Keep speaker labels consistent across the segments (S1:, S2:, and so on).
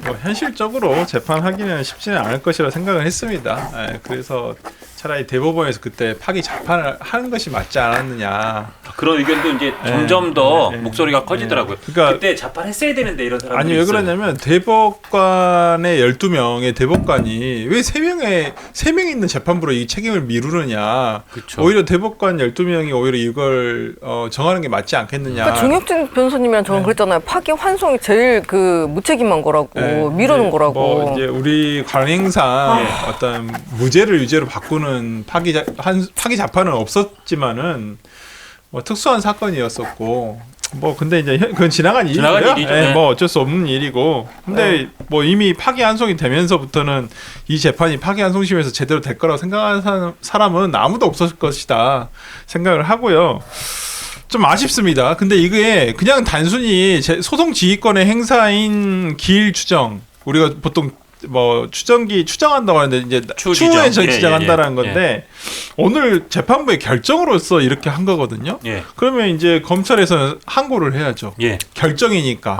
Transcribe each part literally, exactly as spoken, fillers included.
S1: 뭐 현실적으로 재판하기는 쉽지는 않을 것이라 생각을 했습니다. 예, 그래서 차라리 대법원에서 그때 파기 재판을 하는 것이 맞지 않았느냐.
S2: 그런 의견도 이제
S1: 예,
S2: 점점 더
S1: 예,
S2: 목소리가
S1: 예,
S2: 커지더라고요.
S1: 예. 그러니까
S2: 그때 재판했어야 되는데 이런 사람들이
S1: 아니 왜
S2: 있어요.
S1: 그러냐면 대법관의 열두 명의 대법관이 왜 세 명의 세 명이 있는 재판부로 이 책임을 미루느냐.
S2: 그쵸.
S1: 오히려 대법관 열두 명이 오히려 이걸 어, 정하는 게 맞지 않겠느냐.
S3: 그러니까 정혁진 변호사님이랑 저는
S1: 네.
S3: 그랬잖아요. 파기 환송이 제일 그 무책임한 거라고
S1: 네,
S3: 미루는
S1: 이제
S3: 거라고.
S1: 뭐 이제 우리 관행상 어떤 무죄를 유죄로 바꾸는 파기 자, 한 파기 재판은 없었지만은 뭐 특수한 사건이었었고 뭐 근데 이제 현- 그건 지나간 일이고요.
S2: 지나간 일이죠.
S1: 예,
S2: 네.
S1: 뭐 어쩔 수 없는 일이고. 근데
S3: 네.
S1: 뭐 이미 파기 환송이 되면서부터는 이 재판이 파기 환송심에서 제대로 될 거라고 생각하는 사- 사람은 아무도 없었을 것이다 생각을 하고요. 좀 아쉽습니다. 근데 이게 그냥 단순히 제 소송 지휘권의 행사인 기일 추정, 우리가 보통 뭐 추정기 추정한다고 하는데 이제
S2: 추지정.
S1: 추후에 저
S2: 예,
S1: 지정한다라는
S2: 예, 예.
S1: 건데 오늘 재판부의 결정으로서 이렇게 한 거거든요.
S2: 예.
S1: 그러면 이제 검찰에서는 항고를 해야죠.
S2: 예.
S1: 결정이니까.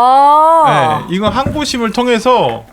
S3: 아.
S1: 네, 이건 항고심을 통해서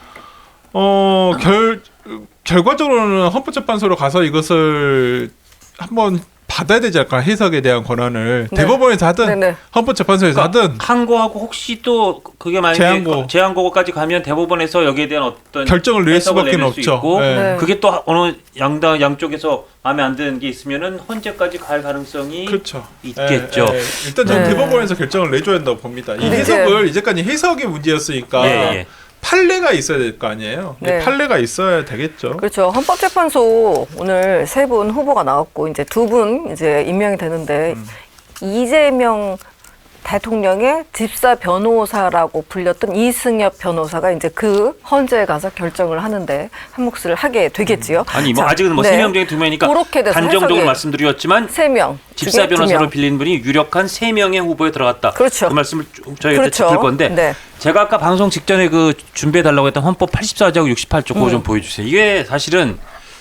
S1: 어, 결 결과적으로는 헌법재판소로 가서 이것을 한번 받아야 되지 않을까, 해석에 대한 권한을.
S3: 네.
S1: 대법원에서 하든
S3: 네네.
S1: 헌법재판소에서 하든
S2: 항고하고 혹시 또 그게 만약에
S1: 재항고.
S2: 재항고까지 가면 대법원에서 여기에 대한 어떤
S1: 결정을 낼
S2: 해석을
S1: 수밖에
S2: 내릴 수
S1: 없죠.
S2: 있고
S1: 네.
S3: 네.
S2: 그게 또 어느 양당 양쪽에서 마음에 안 드는 게 있으면은 헌재까지 갈 가능성이
S1: 그렇죠.
S2: 있겠죠.
S1: 예, 예. 일단 저는
S3: 네.
S1: 대법원에서 결정을 내줘야 한다고 봅니다. 이
S3: 근데
S1: 해석을 이제까지 해석의 문제였으니까
S2: 예, 예.
S1: 판례가 있어야 될 거 아니에요. 이
S3: 네.
S1: 판례가 있어야 되겠죠.
S3: 그렇죠. 헌법재판소 오늘 세 분 후보가 나왔고 이제 두 분 이제 임명이 되는데
S1: 음.
S3: 이재명 대통령의 집사 변호사라고 불렸던 이승엽 변호사가 이제 그 헌재에 가서 결정을 하는데 한 몫을 하게 되겠지요.
S2: 아니 뭐
S3: 자,
S2: 아직은 뭐
S3: 네.
S2: 세 명 중에 두 명이니까
S3: 그렇게 돼서
S2: 단정적으로
S3: 해석이
S2: 말씀드렸지만
S3: 세 명.
S2: 집사
S3: 중에 두
S2: 변호사로
S3: 명.
S2: 빌린 분이 유력한 세 명의 후보에 들어갔다.
S3: 그렇죠.
S2: 그 말씀을 쭉 저희가
S3: 그렇죠.
S2: 짚을 건데
S3: 네.
S2: 제가 아까 방송 직전에 그 준비해 달라고 했던 헌법 팔십사 조하고 육십팔 조 그거
S3: 음.
S2: 좀 보여주세요. 이게 사실은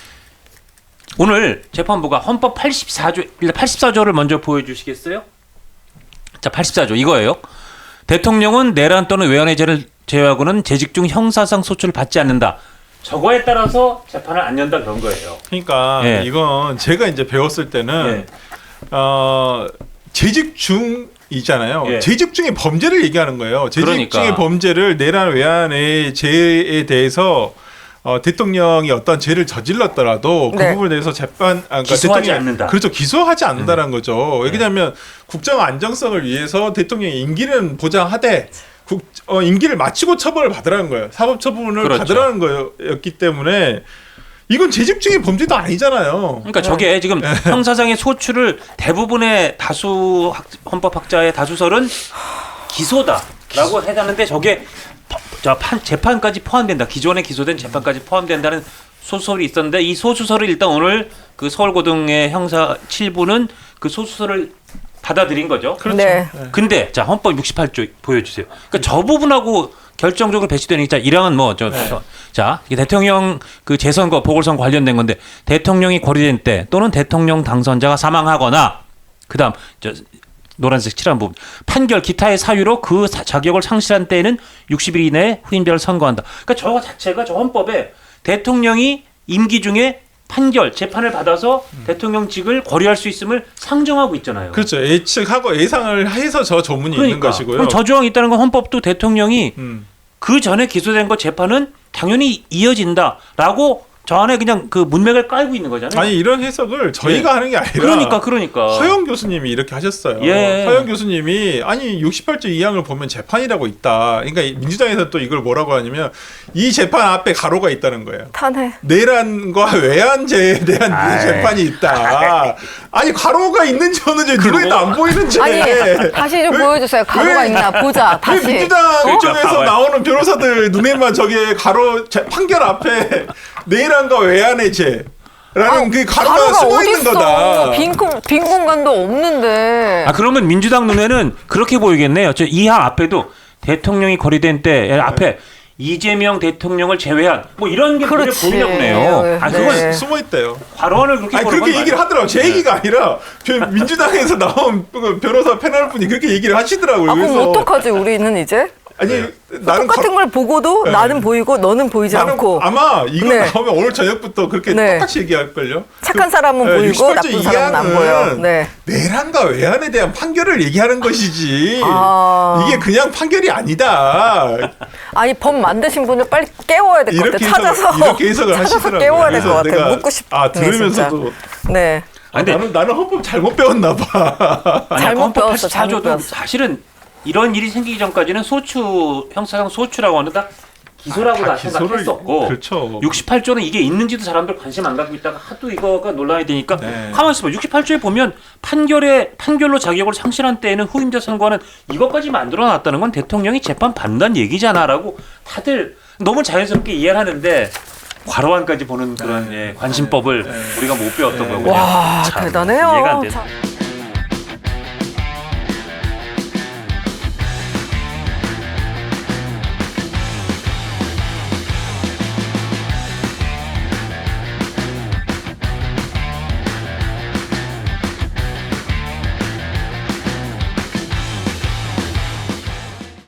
S2: 오늘 재판부가 헌법 팔십사 조 팔십사 조를 먼저 보여주시겠어요? 자, 팔십사 조 이거예요. 대통령은 내란 또는 외환의 죄를 제외하고는 재직 중 형사상 소출을 받지 않는다. 저거에 따라서 재판을 안 연다 그런 거예요.
S1: 그러니까
S2: 예.
S1: 이건 제가 이제 배웠을 때는
S2: 예.
S1: 어, 재직 중이잖아요.
S2: 예.
S1: 재직 중의 범죄를 얘기하는 거예요. 재직
S2: 그러니까.
S1: 중의 범죄를 내란 외환의 죄에 대해서 어, 대통령이 어떤 죄를 저질렀더라도 그
S3: 네.
S1: 부분에 대해서 재판 아, 그러니까
S2: 기소하지
S1: 대통령이-
S2: 않는다.
S1: 그렇죠. 기소하지 않는다는 거죠.
S2: 네.
S1: 왜냐하면 국정 안정성을 위해서 대통령의 임기는 보장하되 국, 어, 임기를 마치고 처벌을 받으라는 거예요. 사법 처분을
S2: 그렇죠.
S1: 받으라는 거였기 때문에 이건 재직 중의 범죄도 아니잖아요.
S2: 그러니까 저게 지금 형사상의 소출을 대부분의 다수 학, 헌법학자의 다수설은 기소다라고 해놨는데 저게 파- 자, 판, 재판까지 포함된다. 기존에 기소된 재판까지 포함된다는 소수설이 있었는데 이 소수설을 일단 오늘 그 서울고등의 형사 칠 부는 그 소수설을 받아들인 거죠.
S1: 그렇죠.
S3: 네.
S1: 네.
S2: 근데 자 헌법 육십팔 조 보여주세요. 그러니까 저 부분하고 결정적으로 배치되는 자 일항은 뭐저
S1: 네.
S2: 자 이게 대통령 그 재선거 보궐선거 관련된 건데 대통령이 고리된 때 또는 대통령 당선자가 사망하거나 그다음 저 노란색 칠한 부분 판결 기타의 사유로 그 사- 자격을 상실한 때에는 육십 일 이내에 후임자를 선거한다. 그러니까 저 자체가 저 헌법에 대통령이 임기 중에 판결 재판을 받아서 대통령직을 거리할 수 있음을 상정하고 있잖아요.
S1: 그렇죠. 예측하고 예상을 해서 저 조문이 있는
S2: 그러니까.
S1: 것이고요.
S2: 그럼 저 조항이 있다는 건 헌법도 대통령이
S1: 음.
S2: 그 전에 기소된 거 재판은 당연히 이어진다라고 저 안에 그냥 그 문맥을 깔고 있는 거잖아요.
S1: 아니 이런 해석을 저희가
S2: 예.
S1: 하는 게 아니라
S2: 그러니까 그러니까
S1: 허영 교수님이 이렇게 하셨어요.
S2: 예.
S1: 허영 교수님이 아니 육십팔 조 이 항을 보면 재판이라고 있다. 그러니까 민주당에서 또 이걸 뭐라고 하냐면 이 재판 앞에 가로가 있다는 거예요.
S3: 탄핵.
S1: 내란과 외환죄에 대한
S2: 아이.
S1: 재판이 있다. 아니 가로가 있는지 없는지 눈에도 안 보이는지.
S3: 아니 다시 좀
S1: 왜-
S3: 보여주세요. 가로가
S1: 왜-
S3: 있나 보자.
S1: 왜
S3: 다시.
S1: 민주당
S2: 그러니까
S1: 쪽에서
S2: 봐봐요.
S1: 나오는 변호사들 눈에만 저게 가로 재- 판결 앞에 내란과 외환의 죄라는 그 가로가 숨어 있는 거다.
S3: 빈, 공- 빈 공간도 없는데.
S2: 아 그러면 민주당 눈에는 그렇게 보이겠네요. 저 이하 앞에도 대통령이 거리된 때 앞에 이재명 대통령을 제외한 뭐 이런 게 눈에
S3: 그렇지.
S2: 보이나 보네요. 아 그건
S3: 네.
S1: 숨어 있대요.
S2: 괄호를 그렇게
S1: 아니
S2: 보는
S1: 그렇게
S2: 건
S1: 얘기를
S2: 맞아요.
S1: 하더라고. 제 얘기가 아니라 저 민주당에서 나온 그 변호사 패널 분이 그렇게 얘기를 하시더라고요.
S3: 아, 그럼
S1: 그래서
S3: 어떡하지, 우리는 이제?
S1: 아니 나는
S3: 똑같은 걸 보고도
S1: 네.
S3: 나는 보이고 너는 보이지
S1: 나는
S3: 않고
S1: 아마 이거
S3: 네.
S1: 나오면 오늘 저녁부터 그렇게
S3: 네.
S1: 똑같이 얘기할걸요.
S3: 착한
S1: 그,
S3: 사람은
S1: 네,
S3: 보이고
S1: 육십팔 조
S3: 나쁜 사람은 안 보여.
S1: 이하는
S3: 네.
S1: 내란과 외환에 대한 판결을 얘기하는 것이지
S3: 아.
S1: 이게 그냥 판결이 아니다.
S3: 아니 법 만드신 분을 빨리 깨워야 될 것
S1: 이렇게
S3: 같아요.
S1: 해석을,
S3: 찾아서
S1: 이렇게 해석을
S3: 찾아서
S1: 하시더라고요.
S3: 깨워야 될 것
S1: 그래서
S3: 같아요.
S1: 내가
S3: 묻고 싶네.
S1: 아 들으면서도
S3: 진짜. 네.
S1: 아,
S2: 근데
S1: 나는 나는 헌법 잘못 배웠나 봐.
S2: 아니,
S3: 잘못
S2: 헌법
S3: 배웠어,
S2: 팔십사 조도
S3: 잘못 배웠어.
S2: 사실은 이런 일이 생기기 전까지는 소추 형사상 소추라고 하는 다 기소라고
S1: 아,
S2: 다
S1: 다 기소를
S2: 생각했었고
S1: 그렇죠.
S2: 육십팔 조는 이게 있는지도 사람들 관심 안 갖고 있다가 하도 이거가 논란이 되니까
S1: 네.
S2: 가만히 있어봐. 육십팔 조에 보면 판결에 판결로 자격을 상실한 때에는 후임자 선고하는 이것까지 만들어놨다는 건 대통령이 재판 받는다는 얘기잖아라고 다들 너무 자연스럽게 이해를 하는데 과로안까지 보는 그런 예, 관심법을
S1: 네.
S2: 우리가 못 배웠던
S1: 네.
S2: 거고요.
S3: 와
S2: 참
S3: 대단해요.
S2: 이해가 안 되네.
S3: 참.